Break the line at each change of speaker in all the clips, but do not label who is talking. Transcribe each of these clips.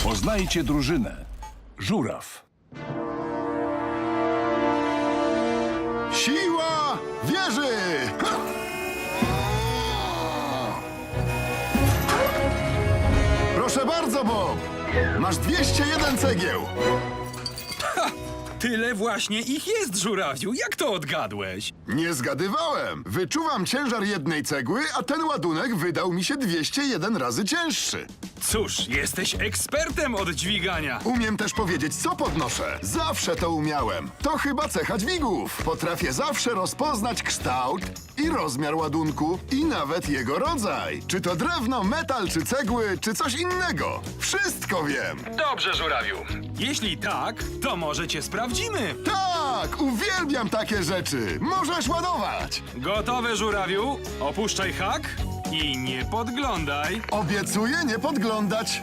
Poznajcie drużynę. Żuraw.
Siła wieży! Ha! Proszę bardzo, Bob. Masz 201 cegieł.
Tyle właśnie ich jest, żurawiu. Jak to odgadłeś?
Nie zgadywałem. Wyczuwam ciężar jednej cegły, a ten ładunek wydał mi się 201 razy cięższy.
Cóż, jesteś ekspertem od dźwigania.
Umiem też powiedzieć, co podnoszę. Zawsze to umiałem. To chyba cecha dźwigów. Potrafię zawsze rozpoznać kształt i rozmiar ładunku i nawet jego rodzaj. Czy to drewno, metal, czy cegły, czy coś innego. Wszystko wiem.
Dobrze, żurawiu. Jeśli tak, to może cię sprawdzimy.
Tak, uwielbiam takie rzeczy. Możesz ładować.
Gotowe, żurawiu? Opuszczaj hak i nie podglądaj.
Obiecuję nie podglądać.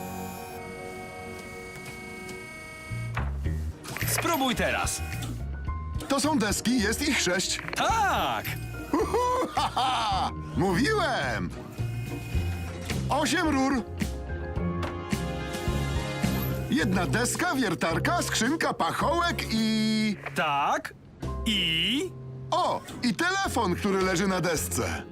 Spróbuj teraz.
To są deski, jest ich 6.
Tak!
Haha! Mówiłem! 8 rur. Jedna deska, wiertarka, skrzynka, pachołek i...
Tak. I...
O! I telefon, który leży na desce.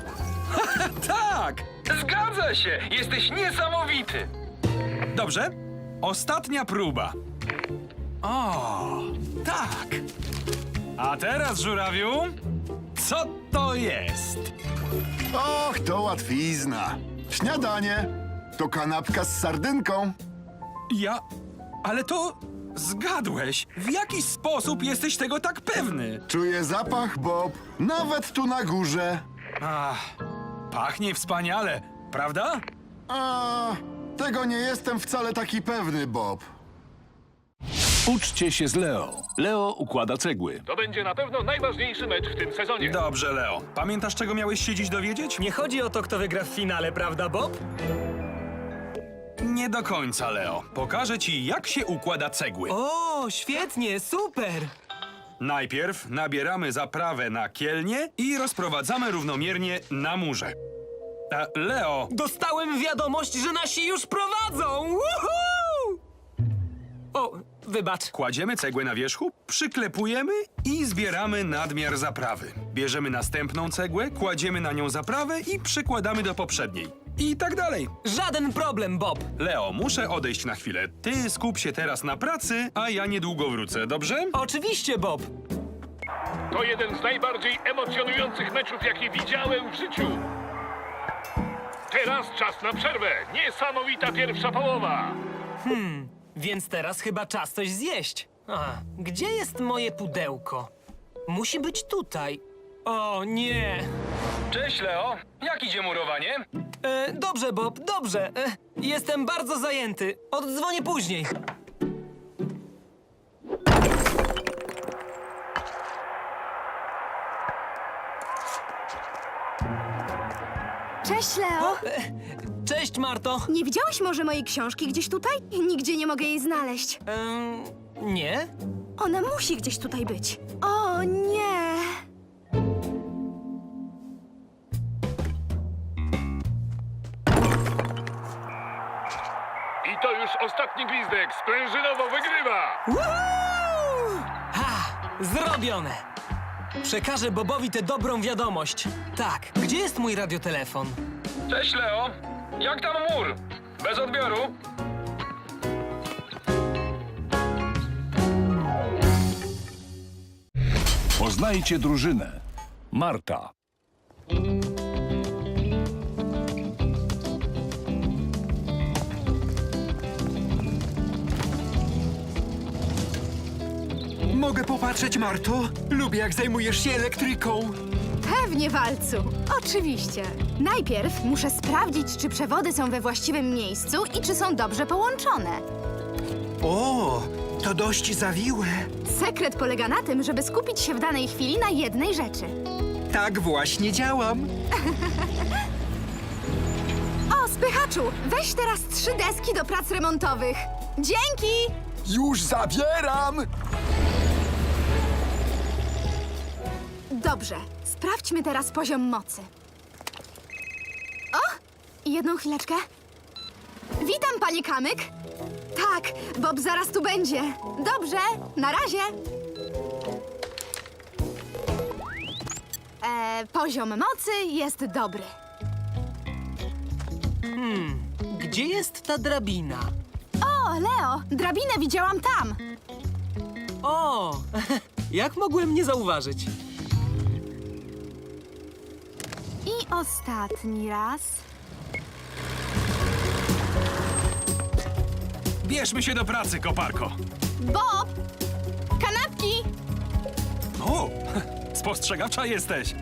Tak! Zgadza się! Jesteś niesamowity! Dobrze. Ostatnia próba. O, tak. A teraz, żurawiu, co to jest?
Och, to łatwizna. Śniadanie. To kanapka z sardynką.
Ale to... Zgadłeś. W jaki sposób jesteś tego tak pewny?
Czuję zapach, Bob. Nawet tu na górze.
Ach, pachnie wspaniale, prawda?
A, tego nie jestem wcale taki pewny, Bob.
Uczcie się z Leo. Leo układa cegły.
To będzie na pewno najważniejszy mecz w tym sezonie.
Dobrze, Leo. Pamiętasz, czego miałeś się dziś dowiedzieć?
Nie chodzi o to, kto wygra w finale, prawda, Bob?
Nie do końca, Leo. Pokażę ci, jak się układa cegły.
O, świetnie, super!
Najpierw nabieramy zaprawę na kielnie i rozprowadzamy równomiernie na murze. Leo,
Dostałem wiadomość, że nasi już prowadzą! Woohoo! O, wybacz.
kładziemy cegłę na wierzchu, przyklepujemy i zbieramy nadmiar zaprawy. Bierzemy następną cegłę, kładziemy na nią zaprawę i przykładamy do poprzedniej. I tak dalej.
Żaden problem, Bob.
Leo, muszę odejść na chwilę. Ty skup się teraz na pracy, a ja niedługo wrócę, dobrze?
Oczywiście, Bob.
To jeden z najbardziej emocjonujących meczów, jakie widziałem w życiu. Teraz czas na przerwę. Niesamowita pierwsza połowa.
Więc teraz chyba czas coś zjeść. A, gdzie jest moje pudełko? Musi być tutaj. O, nie.
Cześć, Leo. Jak idzie murowanie?
Dobrze, Bob, dobrze. Jestem bardzo zajęty. Oddzwonię później.
Cześć, Leo!
Cześć, Marto.
Nie widziałeś może mojej książki gdzieś tutaj? Nigdzie nie mogę jej znaleźć.
Nie?
Ona musi gdzieś tutaj być. O nie!
I to już ostatni gwizdek. Sprężynowo wygrywa.
Ha! Zrobione! Przekażę Bobowi tę dobrą wiadomość. Tak, gdzie jest mój radiotelefon?
Cześć, Leo. Jak tam mur? Bez odbioru?
Poznajcie drużynę. Marta.
Mogę popatrzeć, Marto? Lubię, jak zajmujesz się elektryką.
Pewnie, Walcu. Oczywiście. Najpierw muszę sprawdzić, czy przewody są we właściwym miejscu i czy są dobrze połączone.
O, to dość zawiłe.
Sekret polega na tym, żeby skupić się w danej chwili na jednej rzeczy.
Tak właśnie działam.
O, spychaczu, weź teraz 3 deski do prac remontowych. Dzięki!
Już zabieram!
Dobrze, sprawdźmy teraz poziom mocy. O! Jedną chwileczkę. Witam, panie Kamyk. Tak, Bob zaraz tu będzie. Dobrze, na razie. Poziom mocy jest dobry.
Gdzie jest ta drabina?
O, Leo, drabinę widziałam tam.
O, jak mogłem nie zauważyć?
I ostatni raz.
Bierzmy się do pracy, koparko.
Bob! Kanapki!
O, spostrzegawcza jesteś.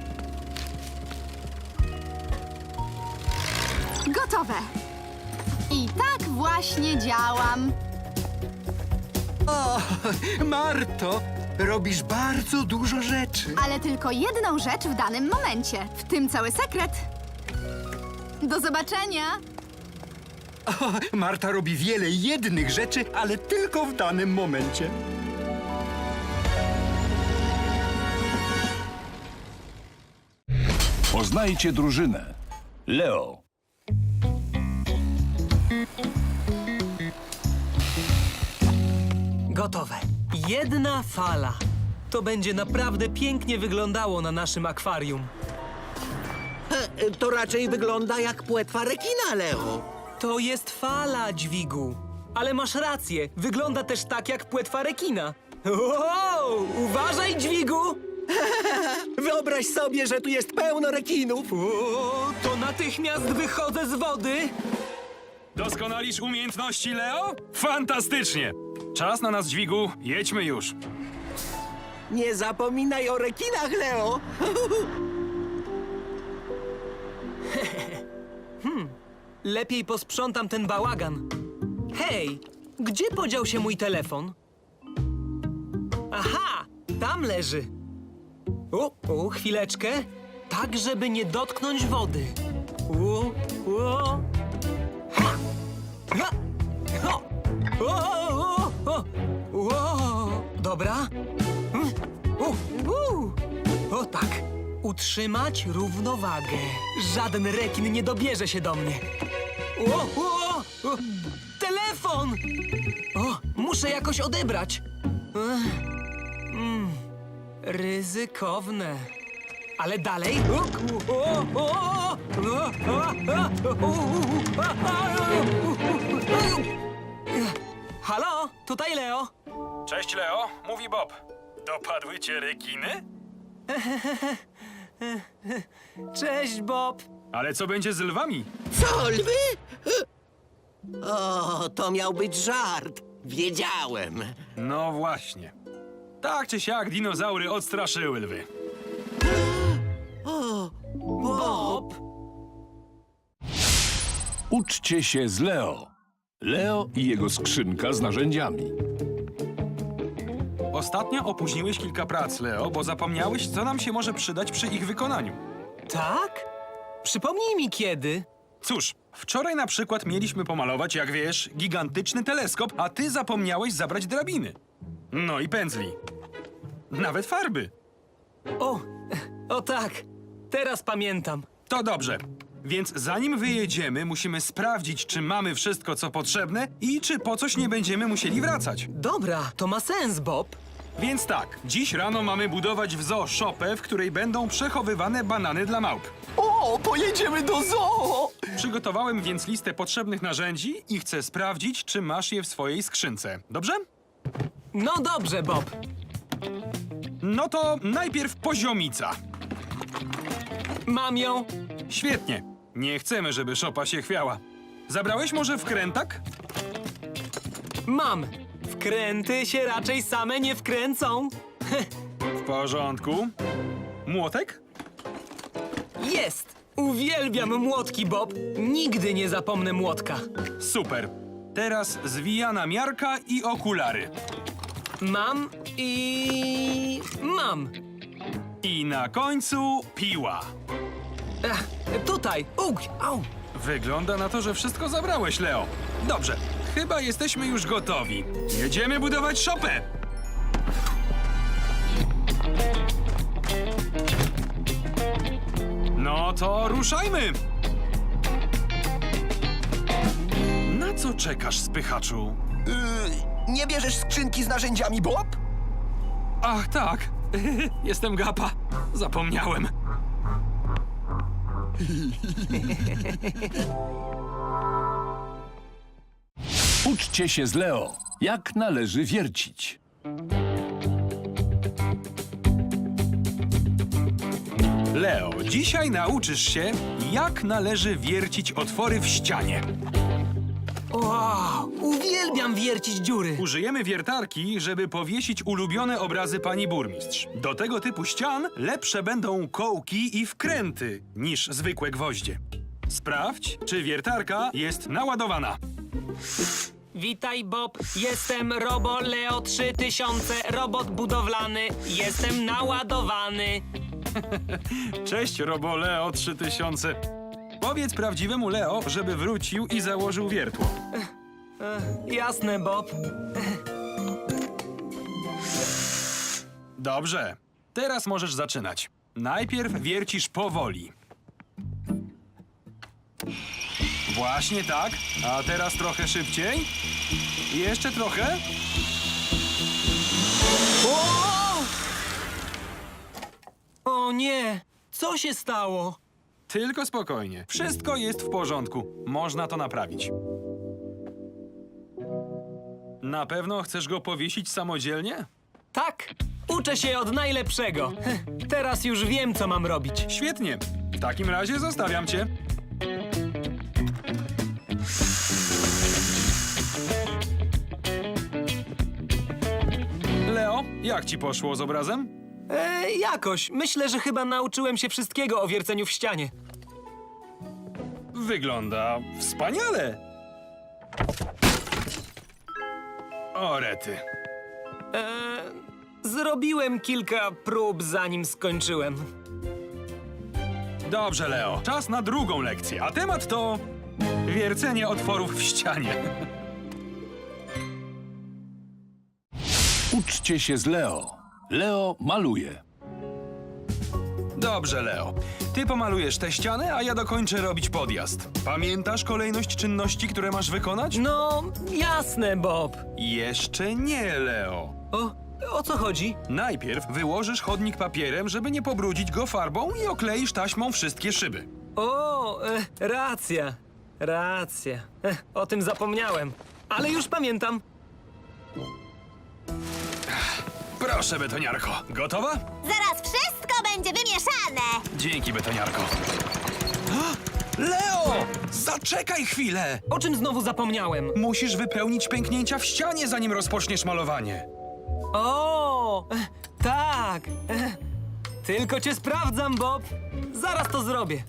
Gotowe. I tak właśnie działam.
O, Marto, robisz bardzo dużo rzeczy.
Ale tylko jedną rzecz w danym momencie. W tym cały sekret. Do zobaczenia.
O, Marta robi wiele jednych rzeczy, ale tylko w danym momencie.
Poznajcie drużynę. Leo.
Gotowe. Jedna fala. To będzie naprawdę pięknie wyglądało na naszym akwarium.
To raczej wygląda jak płetwa rekina, Leo.
To jest fala, dźwigu. Ale masz rację, wygląda też tak jak płetwa rekina. Wow, uważaj, dźwigu!
Wyobraź sobie, że tu jest pełno rekinów.
O, to natychmiast wychodzę z wody.
Doskonalisz umiejętności, Leo? Fantastycznie! Czas na nas, dźwigu. Jedźmy już.
Nie zapominaj o rekinach, Leo.
Lepiej posprzątam ten bałagan. Hej, gdzie podział się mój telefon? Aha, tam leży. Chwileczkę. Tak, żeby nie dotknąć wody. Ha! Ha! Ho! Dobra. O tak. Utrzymać równowagę. Żaden rekin nie dobierze się do mnie. Telefon! Muszę jakoś odebrać. Ryzykowne. Ale dalej. Halo, tutaj Leo.
Cześć, Leo. Mówi Bob. Dopadły cię rekiny?
Cześć, Bob.
Ale co będzie z lwami?
Co, lwy? O, to miał być żart. Wiedziałem.
No właśnie. Tak czy siak dinozaury odstraszyły lwy.
Bob.
Uczcie się z Leo. Leo i jego skrzynka z narzędziami.
Ostatnio opóźniłeś kilka prac, Leo, bo zapomniałeś, co nam się może przydać przy ich wykonaniu.
Tak? Przypomnij mi kiedy.
Cóż, wczoraj na przykład mieliśmy pomalować, jak wiesz, gigantyczny teleskop, a ty zapomniałeś zabrać drabiny. No i pędzli. Nawet farby.
O tak. Teraz pamiętam.
To dobrze. Więc zanim wyjedziemy, musimy sprawdzić, czy mamy wszystko, co potrzebne i czy po coś nie będziemy musieli wracać.
Dobra, to ma sens, Bob.
Więc tak, dziś rano mamy budować w zoo szopę, w której będą przechowywane banany dla małp.
O, pojedziemy do zoo!
Przygotowałem więc listę potrzebnych narzędzi i chcę sprawdzić, czy masz je w swojej skrzynce. Dobrze?
No dobrze, Bob.
No to najpierw poziomica.
Mam ją.
Świetnie. Nie chcemy, żeby szopa się chwiała. Zabrałeś może wkrętak?
Mam. Wkręty się raczej same nie wkręcą.
W porządku. Młotek?
Jest. Uwielbiam młotki, Bob. Nigdy nie zapomnę młotka.
Super. Teraz zwijana miarka i okulary.
Mam i... mam.
I na końcu piła.
Tutaj. Au.
Wygląda na to, że wszystko zabrałeś, Leo. Dobrze. Chyba jesteśmy już gotowi. Jedziemy budować szopę. No to ruszajmy. co czekasz, spychaczu?
Nie bierzesz skrzynki z narzędziami, Bob?
Ach, tak. Jestem Gapa. Zapomniałem.
Uczcie się z Leo, jak należy wiercić.
Leo, dzisiaj nauczysz się, jak należy wiercić otwory w ścianie.
Wow, uwielbiam wiercić dziury.
Użyjemy wiertarki, żeby powiesić ulubione obrazy pani burmistrz. Do tego typu ścian lepsze będą kołki i wkręty niż zwykłe gwoździe. Sprawdź, czy wiertarka jest naładowana.
Witaj, Bob. Jestem Robo Leo 3000, robot budowlany. Jestem naładowany.
Cześć, Robo Leo 3000. Powiedz prawdziwemu Leo, żeby wrócił i założył wiertło.
Jasne, Bob.
Dobrze. Teraz możesz zaczynać. Najpierw wiercisz powoli. Właśnie tak. A teraz trochę szybciej. I jeszcze trochę.
O nie, co się stało?
Tylko spokojnie. Wszystko jest w porządku. Można to naprawić. Na pewno chcesz go powiesić samodzielnie?
Tak, uczę się od najlepszego. Teraz już wiem, co mam robić.
Świetnie. W takim razie zostawiam cię. Leo, jak ci poszło z obrazem?
Jakoś. Myślę, że chyba nauczyłem się wszystkiego o wierceniu w ścianie.
Wygląda wspaniale. O rety.
Zrobiłem kilka prób, zanim skończyłem.
Dobrze, Leo. Czas na drugą lekcję, a temat to wiercenie otworów w ścianie.
Uczcie się z Leo. Leo maluje.
Dobrze, Leo. Ty pomalujesz tę ścianę, a ja dokończę robić podjazd. Pamiętasz kolejność czynności, które masz wykonać?
No, jasne, Bob.
Jeszcze nie, Leo.
O co chodzi?
Najpierw wyłożysz chodnik papierem, żeby nie pobrudzić go farbą i okleisz taśmą wszystkie szyby.
Racja. Racja. O tym zapomniałem. Ale już pamiętam.
Proszę, betoniarko. Gotowa?
Zaraz wszystko będzie wymieszane!
Dzięki, betoniarko. Leo! Zaczekaj chwilę!
O czym znowu zapomniałem?
Musisz wypełnić pęknięcia w ścianie, zanim rozpoczniesz malowanie.
Tak. Tylko cię sprawdzam, Bob. Zaraz to zrobię.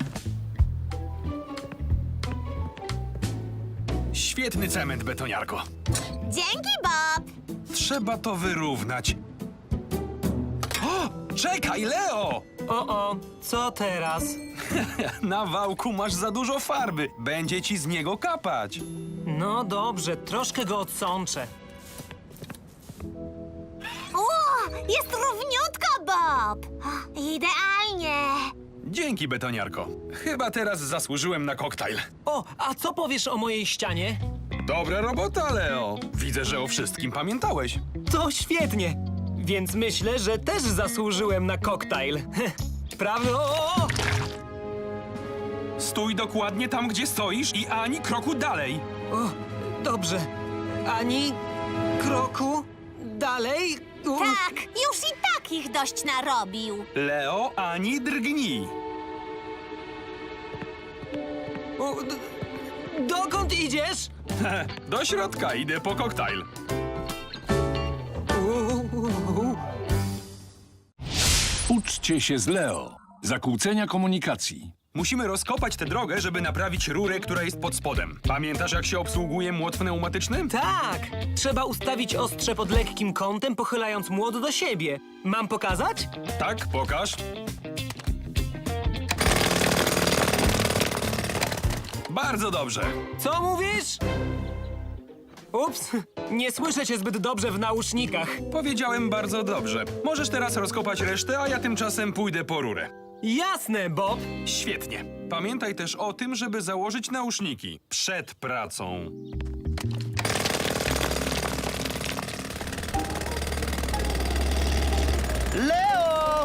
Świetny cement, betoniarko.
Dzięki, Bob!
Trzeba to wyrównać. O! Czekaj, Leo!
Co teraz?
Na wałku masz za dużo farby. Będzie ci z niego kapać.
No dobrze, troszkę go odsączę.
Jest równiutko, Bob! Idealnie!
Dzięki, betoniarko. Chyba teraz zasłużyłem na koktajl.
A co powiesz o mojej ścianie?
Dobra robota, Leo. Widzę, że o wszystkim pamiętałeś.
To świetnie. Więc myślę, że też zasłużyłem na koktajl. Prawda?
Stój dokładnie tam, gdzie stoisz i ani kroku dalej.
Dobrze. Ani kroku dalej.
Tak, już i tak ich dość narobił.
Leo, ani drgnij.
Dokąd idziesz?
Do środka, idę po koktajl.
Uczcie się z Leo. Zakłócenia komunikacji.
Musimy rozkopać tę drogę, żeby naprawić rurę, która jest pod spodem. Pamiętasz, jak się obsługuje młot pneumatyczny?
Tak. Trzeba ustawić ostrze pod lekkim kątem, pochylając młot do siebie. Mam pokazać?
Tak, pokaż. Bardzo dobrze.
Co mówisz? Ups, nie słyszę cię zbyt dobrze w nausznikach.
Powiedziałem bardzo dobrze. Możesz teraz rozkopać resztę, a ja tymczasem pójdę po rurę.
Jasne, Bob.
Świetnie. Pamiętaj też o tym, żeby założyć nauszniki przed pracą.
Leo!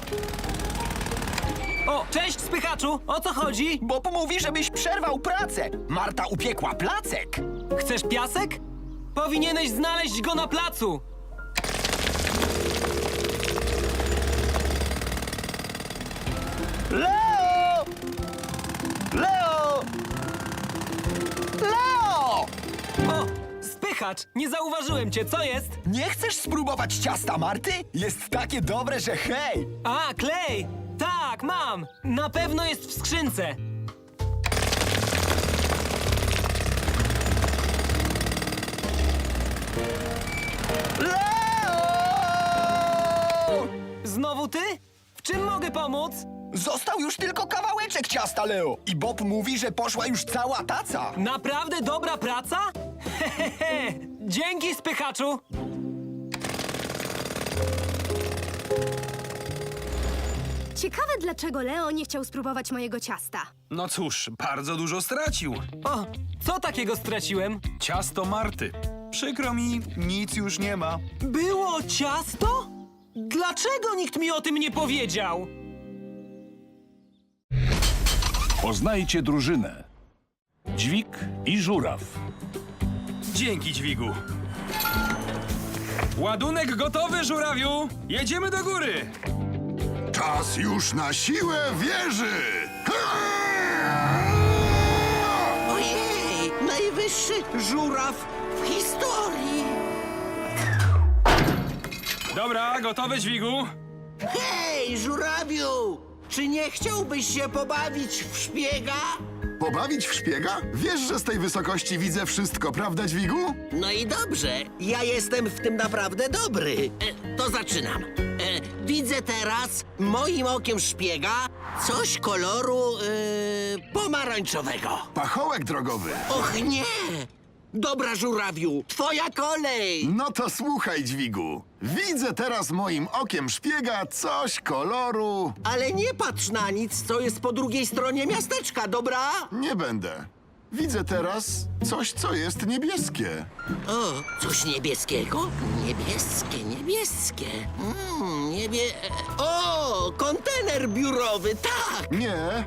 O, cześć, spychaczu! O co chodzi?
Bob mówi, żebyś przerwał pracę. Marta upiekła placek.
Chcesz piasek? Powinieneś znaleźć go na placu!
Leo! Leo! Leo!
O, spychacz! Nie zauważyłem cię, co jest?
Nie chcesz spróbować ciasta Marty? Jest takie dobre, że hej!
A, klej! Tak, mam! Na pewno jest w skrzynce!
Leo!
Znowu ty? W czym mogę pomóc?
Został już tylko kawałeczek ciasta, Leo. I Bob mówi, że poszła już cała taca.
Naprawdę dobra praca? Hehehe! Dzięki, spychaczu!
Ciekawe, dlaczego Leo nie chciał spróbować mojego ciasta.
No cóż, bardzo dużo stracił.
O, co takiego straciłem?
Ciasto Marty. Przykro mi, nic już nie ma.
Było ciasto? Dlaczego nikt mi o tym nie powiedział?
Poznajcie drużynę. Dźwig i żuraw.
Dzięki, dźwigu. Ładunek gotowy, żurawiu! Jedziemy do góry!
Czas już na siłę wieży!
Ojej! Najwyższy żuraw w historii!
Dobra, gotowe, dźwigu.
Hej, żurawiu! Czy nie chciałbyś się pobawić w szpiega?
Pobawić w szpiega? Wiesz, że z tej wysokości widzę wszystko, prawda, dźwigu?
No i dobrze, ja jestem w tym naprawdę dobry. To zaczynam. Widzę teraz moim okiem szpiega coś koloru pomarańczowego.
Pachołek drogowy.
Och nie! Dobra, żurawiu, twoja kolej!
No to słuchaj, dźwigu. Widzę teraz moim okiem szpiega coś koloru...
Ale nie patrz na nic, co jest po drugiej stronie miasteczka, dobra?
Nie będę. Widzę teraz coś, co jest niebieskie.
O, coś niebieskiego? Niebieskie, niebieskie. O, kontener biurowy, tak!
Nie,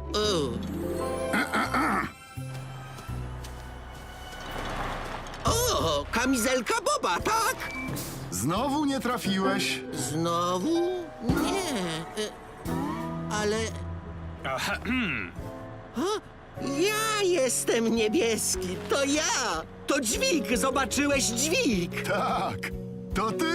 O, kamizelka Boba, tak?
znowu nie trafiłeś.
Znowu? Nie. Ale
Aha,
ja jestem niebieski. To ja. To dźwig. Zobaczyłeś dźwig.
Tak, to ty.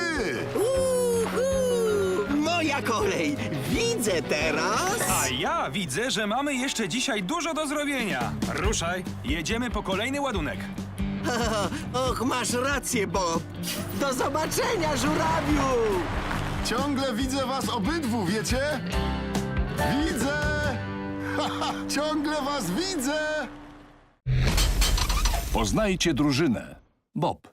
Moja kolej. Widzę teraz.
a ja widzę, że mamy jeszcze dzisiaj dużo do zrobienia. Ruszaj, jedziemy po kolejny ładunek.
Och, masz rację, Bob. Do zobaczenia, żurawiu.
Ciągle widzę was obydwu, wiecie? Widzę! Haha, ciągle was widzę!
Poznajcie drużynę. Bob.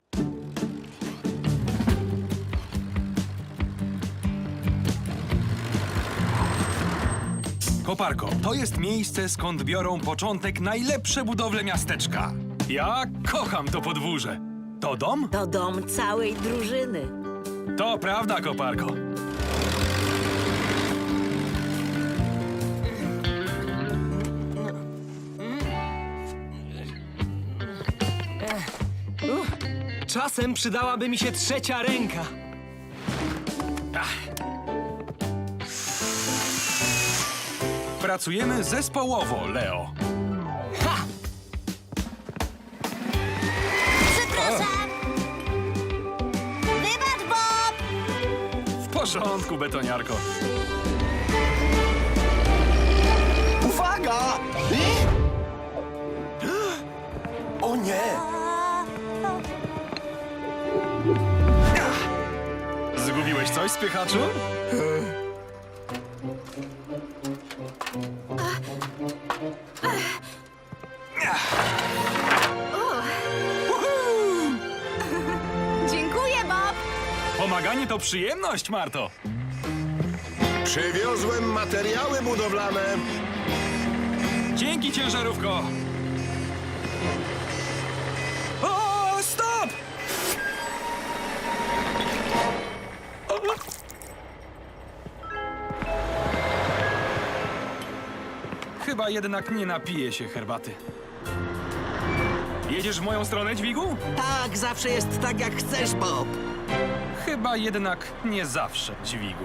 Koparko, to jest miejsce, skąd biorą początek najlepsze budowle miasteczka. Ja kocham to podwórze. To dom?
To dom całej drużyny.
To prawda, Koparko.
Czasem przydałaby mi się trzecia ręka.
Pracujemy zespołowo, Leo.
Ha!
Przepraszam! Wybacz, Bob!
W porządku, betoniarko.
Uwaga! O nie!
Zgubiłeś coś, spychaczu?
Dziękuję, Bob!
Pomaganie to przyjemność, Marto.
Przywiozłem materiały budowlane.
Dzięki, ciężarówko. O, stop! chyba jednak nie napiję się herbaty. Jedziesz w moją stronę, dźwigu?
Tak, zawsze jest tak, jak chcesz, Bob.
Chyba jednak nie zawsze, dźwigu.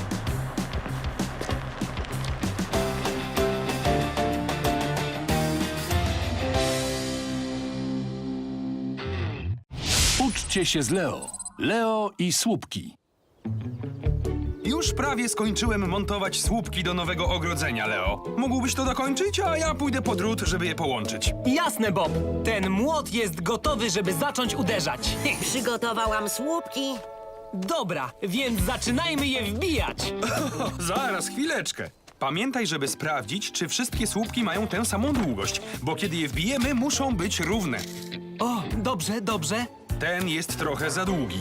Uczcie się z Leo. Leo i słupki.
Już prawie skończyłem montować słupki do nowego ogrodzenia, Leo. Mógłbyś to dokończyć, a ja pójdę po drut, żeby je połączyć.
Jasne, Bob. Ten młot jest gotowy, żeby zacząć uderzać.
Przygotowałam słupki.
Dobra, więc zaczynajmy je wbijać.
Zaraz, chwileczkę. Pamiętaj, żeby sprawdzić, czy wszystkie słupki mają tę samą długość, bo kiedy je wbijemy, muszą być równe.
O, dobrze, dobrze.
Ten jest trochę za długi.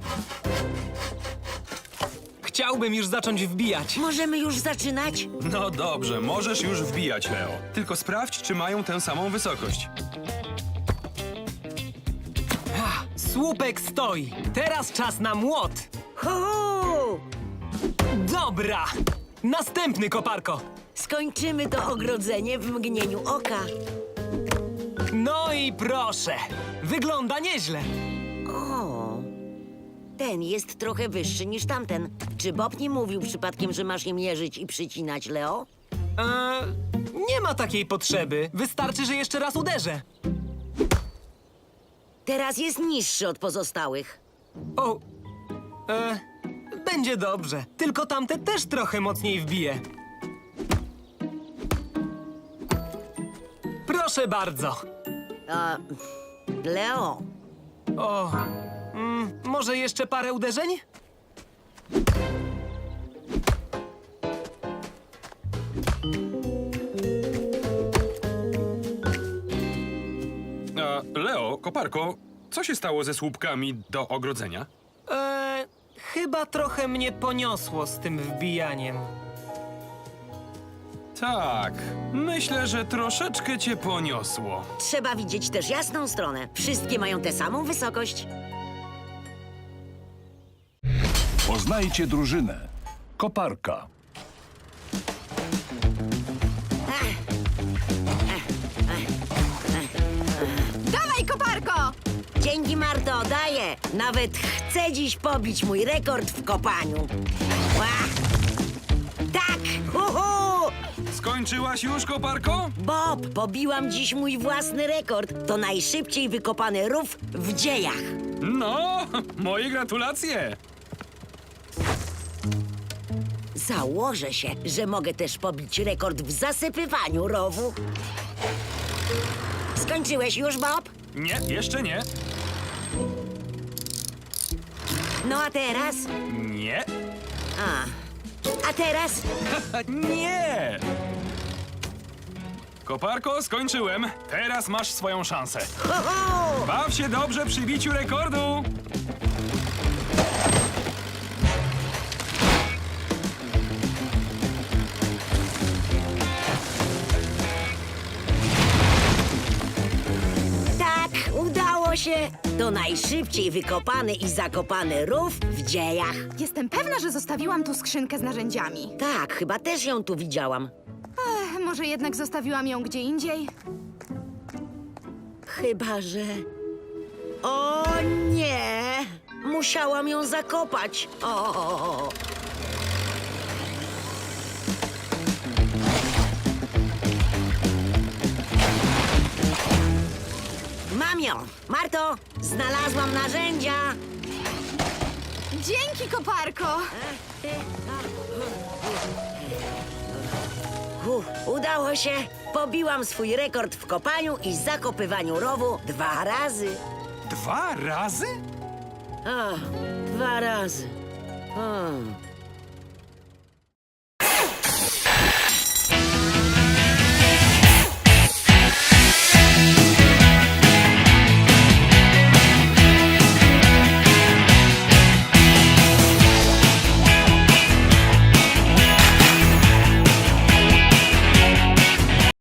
Chciałbym już zacząć wbijać.
Możemy już zaczynać?
No dobrze, możesz już wbijać, Leo. Tylko sprawdź, czy mają tę samą wysokość.
Słupek stoi. Teraz czas na młot.
Hu!
Dobra. Następny, koparko.
Skończymy to ogrodzenie w mgnieniu oka.
No i proszę. Wygląda nieźle.
O, ten jest trochę wyższy niż tamten. Czy Bob nie mówił przypadkiem, że masz je mierzyć i przycinać, Leo?
Nie ma takiej potrzeby. Wystarczy, że jeszcze raz uderzę.
Teraz jest niższy od pozostałych.
O, będzie dobrze. Tylko tamte też trochę mocniej wbije. Proszę bardzo.
Leo,
O, może jeszcze parę uderzeń?
Leo, koparko, co się stało ze słupkami do ogrodzenia?
Chyba trochę mnie poniosło z tym wbijaniem.
Tak, myślę, że troszeczkę cię poniosło.
trzeba widzieć też jasną stronę. Wszystkie mają tę samą wysokość.
Poznajcie drużynę. Koparka.
Dawaj, koparko!
Dzięki, Marto, daję. Nawet chcę dziś pobić mój rekord w kopaniu. Ła! Tak! Uhu!
Skończyłaś już, koparko?
Bob, pobiłam dziś mój własny rekord. To najszybciej wykopany rów w dziejach.
No, moje gratulacje.
Założę się, że mogę też pobić rekord w zasypywaniu rowu. Skończyłeś już, Bob?
Nie, jeszcze nie.
No a teraz?
Nie.
A teraz?
Nie! Koparko, skończyłem. Teraz masz swoją szansę.
Ho, ho!
Baw się dobrze przy biciu rekordu.
Tak, udało się. To najszybciej wykopany i zakopany rów w dziejach.
Jestem pewna, że zostawiłam tu skrzynkę z narzędziami.
Tak, chyba też ją tu widziałam.
Może jednak zostawiłam ją gdzie indziej?
Chyba, że... O nie! Musiałam ją zakopać. O! Mam ją! Marto, znalazłam narzędzia!
Dzięki, koparko!
Udało się! Pobiłam swój rekord w kopaniu i zakopywaniu rowu 2 razy.
2 razy?
O, 2 razy. O.